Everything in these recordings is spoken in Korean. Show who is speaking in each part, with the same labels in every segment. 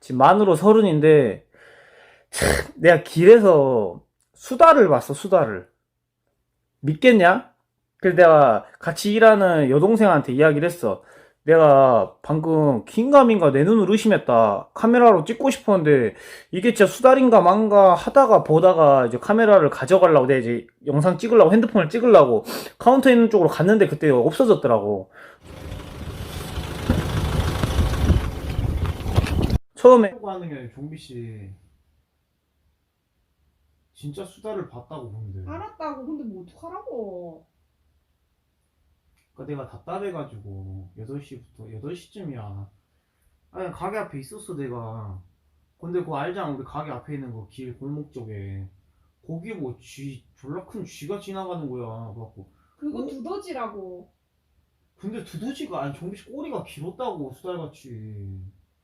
Speaker 1: 지금 만으로 30인데 내가 길에서 수달을 봤어. 수달을 믿겠냐? 그래서 내가 같이 일하는 여동생한테 이야기를 했어. 내가 방금 긴가민가 내 눈을 의심했다. 카메라로 찍고 싶었는데 이게 진짜 수달인가 만가 하다가 보다가 이제 카메라를 가져가려고 내가 이제 영상 찍으려고 핸드폰을 찍으려고 카운터 있는 쪽으로 갔는데 그때 없어졌더라고. 처음에 하는 게 종비씨 진짜 수달을 봤다고 보는데.
Speaker 2: 알았다고. 근데 뭐 어떡하라고.
Speaker 1: 그러니까 내가 답답해가지고 8시부터 8시쯤이야. 아니 가게 앞에 있었어 내가. 근데 그거 알잖아, 우리 가게 앞에 있는 거 길 골목 쪽에 거기 뭐 쥐 졸라 큰 쥐가 지나가는 거야. 그래갖고
Speaker 2: 그거 두더지라고.
Speaker 1: 근데 두더지가 아니 종비씨 꼬리가 길었다고 수달같이.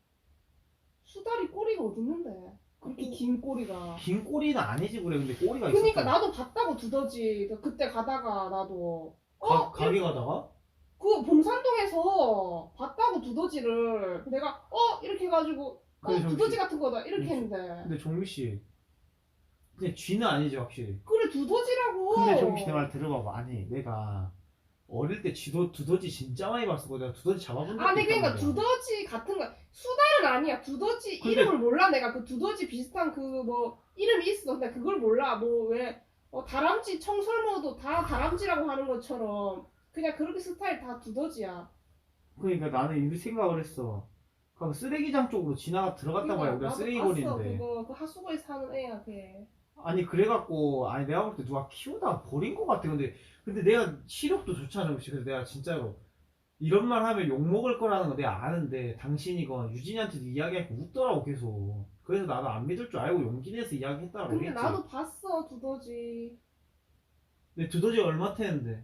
Speaker 2: 수달이 꼬리가 어딨는데. 그렇게 긴 꼬리가.
Speaker 1: 긴 꼬리는 아니지 그래. 근데 꼬리가 있었어.
Speaker 2: 그러니까 나도 봤다고 두더지. 그때 가다가 나도
Speaker 1: 가게 가다가?
Speaker 2: 그 봉산동에서 봤다고 두더지를. 내가 이렇게 해가지고
Speaker 1: 그래,
Speaker 2: 두더지 같은 거다 이렇게 했는데.
Speaker 1: 근데 종비씨 근데 쥐는 아니지 확실히.
Speaker 2: 그래 두더지라고.
Speaker 1: 근데 종비씨 내 말 들어봐봐. 아니 내가 어릴 때 두더지 진짜 많이 봤어. 내가 두더지 잡아본 적도
Speaker 2: 아니 그러니까
Speaker 1: 있단 말이야.
Speaker 2: 두더지 같은 거. 수달은 아니야. 두더지
Speaker 1: 근데-
Speaker 2: 이름을 몰라. 내가 그 두더지 비슷한 그 뭐 이름이 있어. 근데 그걸 몰라. 뭐 왜 다람쥐 청설모도 다 다람쥐라고 하는 것처럼 그냥 그렇게 스타일 다 두더지야.
Speaker 1: 그러니까 나는 이 생각을 했어. 그 쓰레기장 쪽으로 들어갔단 말이야. 우리가
Speaker 2: 나도
Speaker 1: 쓰레기
Speaker 2: 봤어.
Speaker 1: 버리는데.
Speaker 2: 그거 그 하수구에 사는 애야 걔.
Speaker 1: 아니 그래갖고 아니 내가 볼 때 누가 키우다가 버린 것 같아. 근데 내가 시력도 좋잖아. 그래서 내가 진짜로 이런 말 하면 욕먹을 거라는 거 내가 아는데 당신이건 유진이한테도 이야기하고 웃더라고 계속. 그래서 나도 안 믿을 줄 알고 용기 내서 이야기했다고
Speaker 2: 근데
Speaker 1: 그랬지.
Speaker 2: 나도 봤어 두더지.
Speaker 1: 근데 두더지가 얼마 태는데?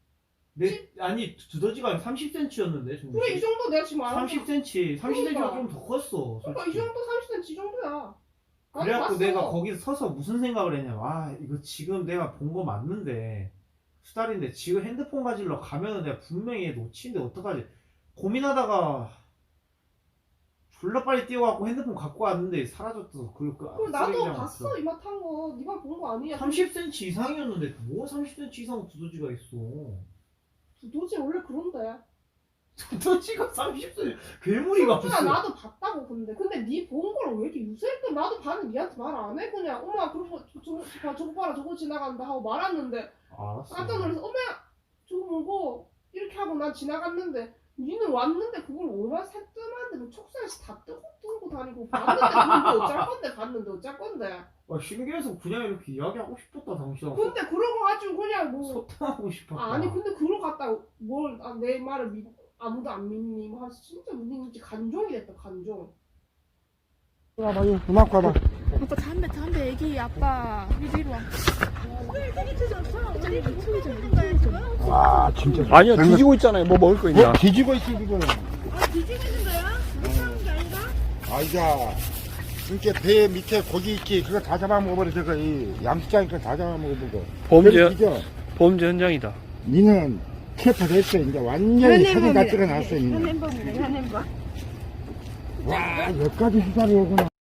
Speaker 1: 아니 두더지가 30cm였는데.
Speaker 2: 그래 이 정도 내가 지금 알아.
Speaker 1: 30cm. 30cm가
Speaker 2: 그러니까.
Speaker 1: 좀 더 컸어.
Speaker 2: 그러니까 이
Speaker 1: 솔직히.
Speaker 2: 정도 30cm 이 정도야. 나도
Speaker 1: 그래갖고
Speaker 2: 봤어.
Speaker 1: 내가 거기서 서서 무슨 생각을 했냐. 와 이거 지금 내가 본 거 맞는데 수달인데 지금 핸드폰 가지러 가면은 내가 분명히 얘 놓치는데 어떡하지 고민하다가 졸라 빨리 뛰어갖고 핸드폰 갖고 왔는데 사라졌어.
Speaker 2: 그리고 나도
Speaker 1: 쓰레기장
Speaker 2: 봤어
Speaker 1: 앞에서.
Speaker 2: 이마 탄 거. 네가 본 거 아니야.
Speaker 1: 30cm 이상이었는데 뭐 30cm 이상 두더지가 있어.
Speaker 2: 두더지 원래 그런데.
Speaker 1: 두더지가 30cm 괴물이가
Speaker 2: 성준아
Speaker 1: 없어.
Speaker 2: 나도 봤다고. 근데 네 본 걸 왜 이렇게 유세했던. 나도 봤는데 니한테 말 안 해. 그냥 엄마 그러고 저거 봐라 저거 지나간다 하고 말았는데
Speaker 1: 알았어.
Speaker 2: 깜짝 놀라서 엄마 저거 뭐고 이렇게 하고 난 지나갔는데 니는 왔는데 그걸 얼마나 새뜸한데 뭐 촉사에서 다 뜨고 다니고 봤는데 그걸 어쩔 건데. 봤는데 어쩔 건데.
Speaker 1: 신기해서 그냥 이렇게 이야기하고 싶었다 당신하고.
Speaker 2: 근데 그러고 가지고 그냥 뭐
Speaker 1: 소통하고 싶었다.
Speaker 2: 아니 근데 그러고 갔다 뭘 내 말을 아무도 안 믿니 뭐 하면서 진짜 우리 간종이 됐다 간종.
Speaker 3: 봐봐, 이거 음악 봐봐.
Speaker 4: 아빠 담배 애기 아빠 이리로 와.
Speaker 3: 와, 진짜.
Speaker 5: 아니요,
Speaker 3: 장난-
Speaker 5: 뒤지고 있잖아요. 뭐 먹을 거 있냐.
Speaker 3: 뒤지고 있어, 지금.
Speaker 4: 뒤지고 있는 거야? 못하는 게 아니라?
Speaker 3: 아이자. 이렇게 배 밑에 고기 있지. 그거 다 잡아먹어버려, 저거. 이 양식장이니까 다 잡아먹어버려.
Speaker 5: 범죄 현장이다.
Speaker 3: 니는 캐파 됐어. 이제 완전히 사진 다 찍어놨어. 이제.
Speaker 4: 현행범이네 현행범.
Speaker 3: 와, 여기까지 수사를 오구나.